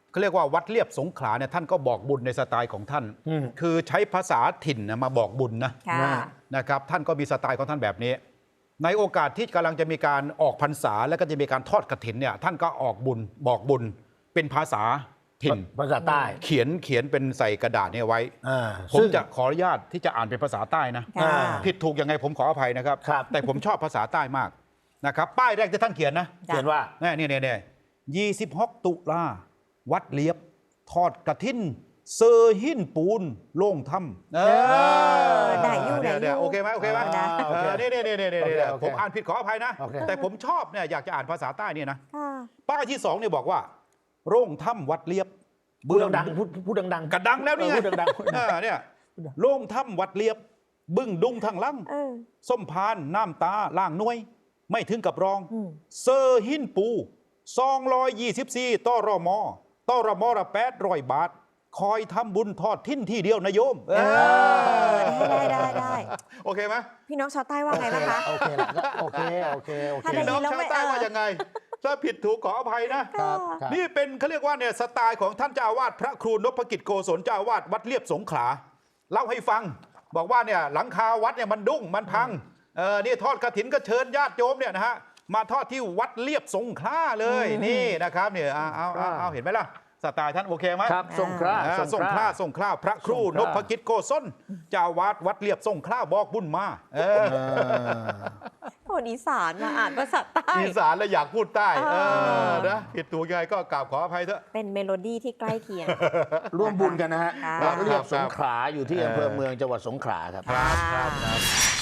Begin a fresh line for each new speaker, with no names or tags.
เขาเรียกว่าวัดเลียบสงขลาเนี่ยท่านก็บอกบุญในสไตล์ของท่านคือใช้ภาษาถิ่นมาบอกบุญนะครับท่านก็มีสไตล์ของท่านแบบนี้ในโอกาสที่กำลังจะมีการออกพรรษาแล้วก็จะมีการทอดกฐินเนี่ยท่านก็ออกบุญบอกบุญเป็นภาษาถิ่น
ภาษาใต้
เขียนเป็นใส่กระดาษเนี่ยไว้ผมจะขออนุญาตที่จะอ่านเป็นภาษาใต้นะผิดถูกยังไงผมขออภัยนะครับแต่ผมชอบภาษาใต้มากนะครับป้ายแรกที่ท่านเขียนนะ
เขียนว่า
เนี่ย26 ตุลาวัดเลียบทอดกฐินเซอร์หินปูนโล่งถ้ำ
ได้อยู่
โอเคไหมนี่ผมอ่านผิดขออภัยนะแต่ผมชอบเนี่ยอยากจะอ่านภาษาใต้เนี่ยนะป้ายที่2เนี่ยบอกว่าโร่งถ้ำวัดเลียบ
พูดดังพูดดัง
กระดังแล้วนี่ไงเนี่ยโร่งถ้ำวัดเลียบบึ้งดุงทางลังส้มพานน้ำตาล่างน้วยไม่ถึงกับรองเซอร์หินปู224ต่อรมละ800 บาทคอยทำบุญทอดทิ้นที่เดียวนะโยม
ได้
โอเคไหม
พี่น้องชาวใต้ว่าไงบ้างคะ
โอเค
พี่น้องชาวใต้ว่ายังไงถ้าผิดถูกขออภัยนะนี่เป็นเขาเรียกว่าเนี่ยสไตล์ของท่านเจ้าอาวาสพระครูนพกิจโกศลเจ้าอาวาสวัดเลียบสงขลาเล่าให้ฟังบอกว่าเนี่ยหลังคาวัดเนี่ยมันดุ้งมันพังนี่ทอดกฐินก็เชิญญาติโยมเนี่ยนะฮะมาทอดที่วัดเลียบสงขลาเลยนี่นะครับเนี่ยเอาเห็นไหมล่ะสไตล์ท่านโอเคไหม
ครับสงขลา
พระครูนพกิจโกศลเจ้าอาวาสวัดเลียบสงขลาบอกบุญมา
คนอีสานมาอ่านภาษาใต้
อีสานแล้วอยากพูดใต้นะผิดถูกยังไงก็กราบขออภัยเถอะ
เป็นเมโลดี้ที่ใกล้เคียง
ร่วมบุญกันนะฮะวัดเลียบสงขลาอยู่ที่อำเภอเมืองจังหวัดสงขลาครับ